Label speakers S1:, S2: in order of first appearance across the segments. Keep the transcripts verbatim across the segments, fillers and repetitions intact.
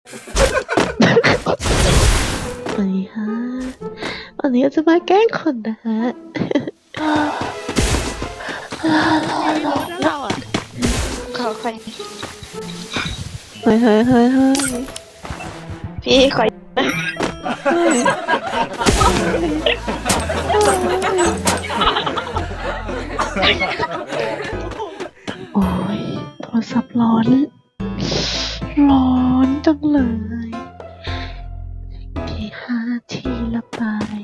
S1: สวัสดีค่ะวันนี้จะมาแกล้งคนนะฮะ
S2: เราอ่ะขอคอย
S1: เฮ้ยเฮ้ยเฮ้ยเฮ้ย
S2: พี่คอย
S1: โอ้ยโทรศัพท์ร้อน ร้อนจังเลยทีห้าทีละไป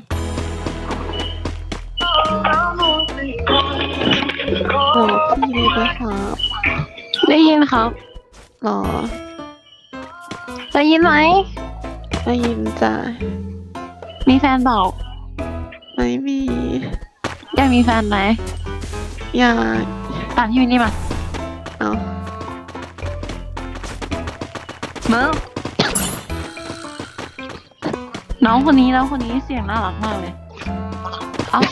S1: รอพี่เลยนะครับ
S2: ได้ยินครับ
S1: รอ
S2: ได้ยินไหม
S1: ได้ยินจ้ะ
S2: มีแฟนเปล่า
S1: ไม่มี
S2: อยากมีแฟนไหม
S1: อยาก
S2: ตามพี่วินนี่มา
S1: เอา
S2: เมื่อน้องคนนี้น้องคนนี้เสียงน่ารักมากเลยเอ้า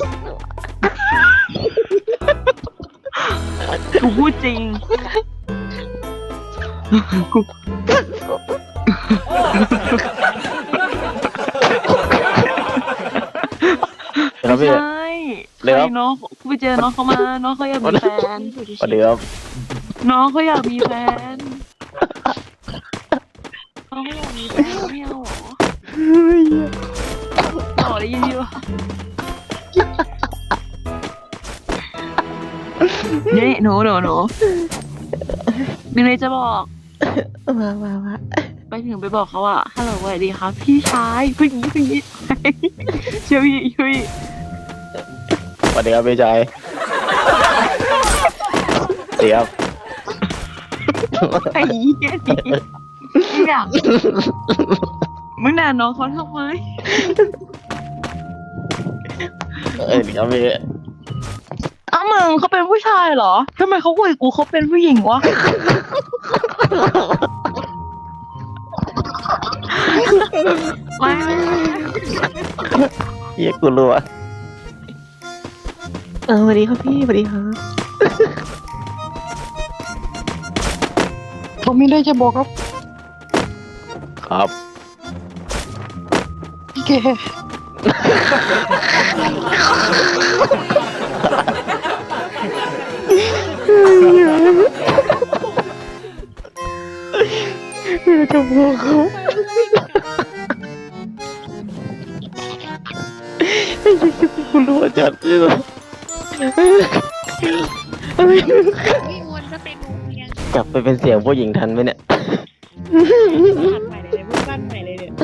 S2: กูพูดจริงกู
S3: ครับพี่
S2: ใช่
S3: เดี๋ยว
S2: ใครน้องกูไปเจอน้องเขามาน้องเขาอยากมีแฟน
S3: สวัสดีครับ
S2: น้องเขาอยากมีแฟนน้องเขาอยากมีแฟนไม่เอาเหรอต่อได้ยินอยู่นี่หนูหนูหนูมีอะไรจะบอก
S1: มามามา
S2: ไปถึงไปบอกเขาว่าฮัลโหลสวัสดีครับพี่ชายผู้หญิงผู้หญิงช่วยพี่ช่วย
S3: สวัสดีครับพี่ชายสวัสดีครับ
S2: ไอ้เหี้ยนี่มึงอยากมึงด่าน้องเขาทำไม
S3: เอ้ยครับพี่
S2: อ้าวมึงเขาเป็นผู้ชายเหรอทำไมเขาคุยกับกูเขาเป็นผู้หญิงวะ ไม่ไม่ไม่
S3: เฮียกูรู้อะ
S1: เออสวัสดีครับพี่สวัสดีครับ
S4: ผมมีอะไรจะบอกครับ
S3: ครับ
S4: พี่แก
S1: พี่จะบอกเขาไอ้ยี่สิบกูรู้
S3: อาจารย์ที่สุด
S5: พี่มวนก็เป็นวงเวียน
S3: กลับไปเป็นเสียงผู้หญิงทันไหมเนี่ย
S5: บ้านใหม่เลยเนี่ยพูดบ้านใหม่เลยเนี่ย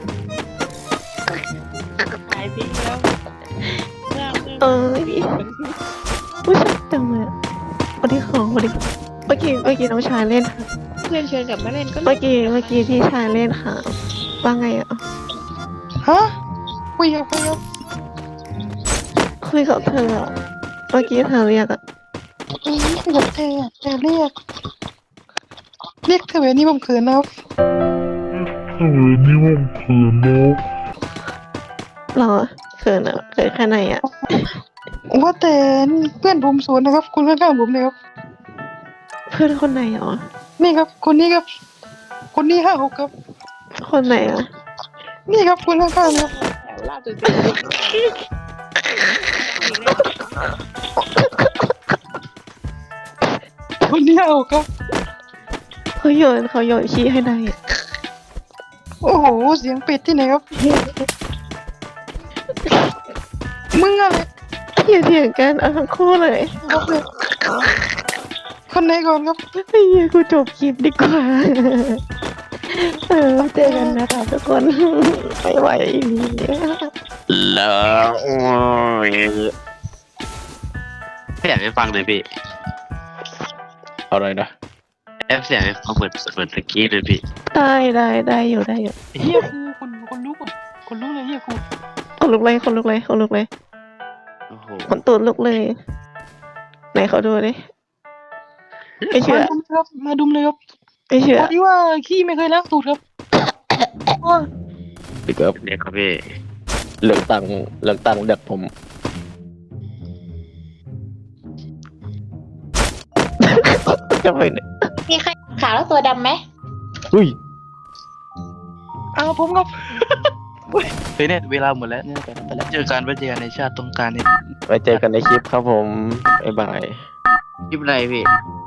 S5: ขายทิ้งแล้วเริ่มเริ่ม
S1: เออพี่ผู้ชายจังเลยสวัสดีของสวัสดีเมื่อกี้เมื่อกี้น้องชายเล่นค่ะ
S5: เพื่อนเชิญกลับมาเล่นก็
S1: เมื่อกี้เมื่อกี้พี่ชายเล่นค่ะว่าไงอ่ะ
S4: ฮะคุยกับคุยกับ
S1: คุยกับเธออะเมื่อกี้เธอเรียกอ่ะ
S4: อืมคุยกับเธอแต่เรียก เรียกเธอแบบนี้ผมเขินนะครับ
S1: หรอเขินอ่ะเขินแค่ไหนอ่ะ
S4: ว่าแต่เพื่อนผมสวนนะครับ คุณข้างๆผมเลยครับ
S1: เพื่อนคนไหนหรอ
S4: นี่ครับ คนนี้ครับ คนนี้ห้าหกครับ
S1: คนไหนอ่ะ
S4: นี่ครับคุณข้างๆครับ
S5: แถวลาดจุดสี่
S4: คนนี้ห้าหกครับ
S1: เขาโยนเขาโยนขี้ให้นายอะ
S4: โอ้โห เสียงเป็ดที่ไหนครับ มึงอะไร
S1: อย่าเถียงกันเอาทั้งคู่เลย
S4: ครับเนี่ยคนไหนก่อนครับ
S1: ไอ้เหี้ยกูจบคลิปดีกว่า เออเจอกันนะคะทุกคนไม่ไหวอีกแล้ว
S3: แล้วโอ้ย
S6: เสียงให้ฟังหน่อยพี่
S3: เอาอะไรนะ
S6: แอฟเสียงให้ฟังเหมือนเหมือนตะกี้เลยพี่
S1: ได้ได้ได้อยู่ได้อยู่
S4: เฮียครูคนคนลุกอ่ะคนลุกเลยเฮียครู
S1: คนลุกเลยคนลุกเลยคนลุกเลย
S6: โอ้โห
S1: คนตูดลุกเลย ไหนเขาดูดิไม่เชื่อ
S4: มาดุมเลยครับ มาดุมเลยครับ
S1: ไม่เชื่อ
S4: พอดีว่าขี้ไม่เคยล้างตูดครับ
S3: พี่ครับ
S6: เด็กครับพี่
S3: เลือกตังค์เลือกตังค์เด็กผม
S1: จะไปไหน
S5: มีใครขาวแล้วตัวดำไหม
S3: อุ้ย
S2: อ้าวผมครับ
S7: เฮ้ยเนี่ยเวลาหมดแล้วเนี่ยไปแล้วไปแล้วเจอกันไว้เจอกันในชาติต้องการเนี่ย
S3: ไว้เจอกันในคลิปครับผมบ๊ายบาย
S6: คลิปอะไรพี่